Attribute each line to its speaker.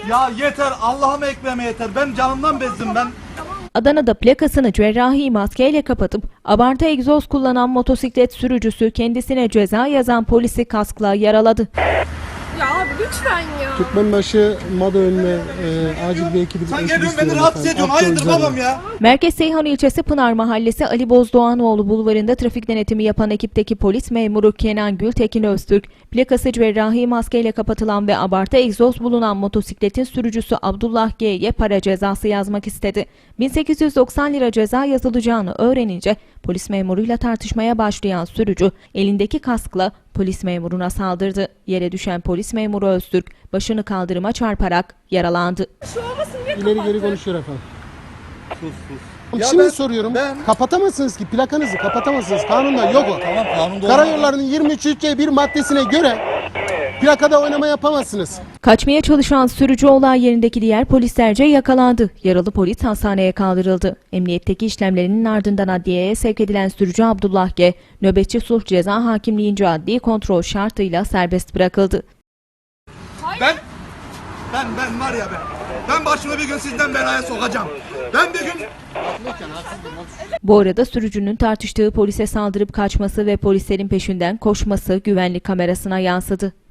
Speaker 1: Ya yeter, Allah'ıma ekleme yeter. Ben canımdan bezdim ben.
Speaker 2: Adana'da plakasını cerrahi maskeyle kapatıp abartı egzoz kullanan motosiklet sürücüsü kendisine ceza yazan polisi kaskla yaraladı.
Speaker 3: Ya abi lütfen ya.
Speaker 4: Türkmenbaşı Mada önüne acil bir ekibi.
Speaker 1: Sen geliyorsun beni rahatsız ediyorsun. Hayırdır babam ya?
Speaker 2: Merkez Seyhan ilçesi Pınar Mahallesi Ali Bozdoğanoğlu bulvarında trafik denetimi yapan ekipteki polis memuru Kenan Gültekin Öztürk, plakası cerrahi maskeyle kapatılan ve abartı egzoz bulunan motosikletin sürücüsü Abdullah G'ye para cezası yazmak istedi. 1890 lira ceza yazılacağını öğrenince polis memuruyla tartışmaya başlayan sürücü elindeki kaskla polis memuruna saldırdı. Yere düşen polis memuru Öztürk başını kaldırıma çarparak yaralandı.
Speaker 3: Şu olmasın diye
Speaker 4: İleri geri
Speaker 3: kapattı.
Speaker 4: konuşuyor efendim.
Speaker 1: Ya
Speaker 4: Şimdi soruyorum. Kapatamazsınız ki, plakanızı kapatamazsınız. Kanunda yok o.
Speaker 1: Tamam, kanunda
Speaker 4: Karayollarının 23.1 maddesine göre plakada oynama yapamazsınız.
Speaker 2: Kaçmaya çalışan sürücü olay yerindeki diğer polislerce yakalandı. Yaralı polis hastaneye kaldırıldı. Emniyetteki işlemlerinin ardından adliyeye sevk edilen sürücü Abdullah G, nöbetçi sulh ceza hakimliğince adli kontrol şartıyla serbest bırakıldı.
Speaker 1: Ben var ya ben başımı bir gün sizden belaya sokacağım. Ben bir gün...
Speaker 2: Bu arada sürücünün tartıştığı polise saldırıp kaçması ve polislerin peşinden koşması güvenlik kamerasına yansıdı.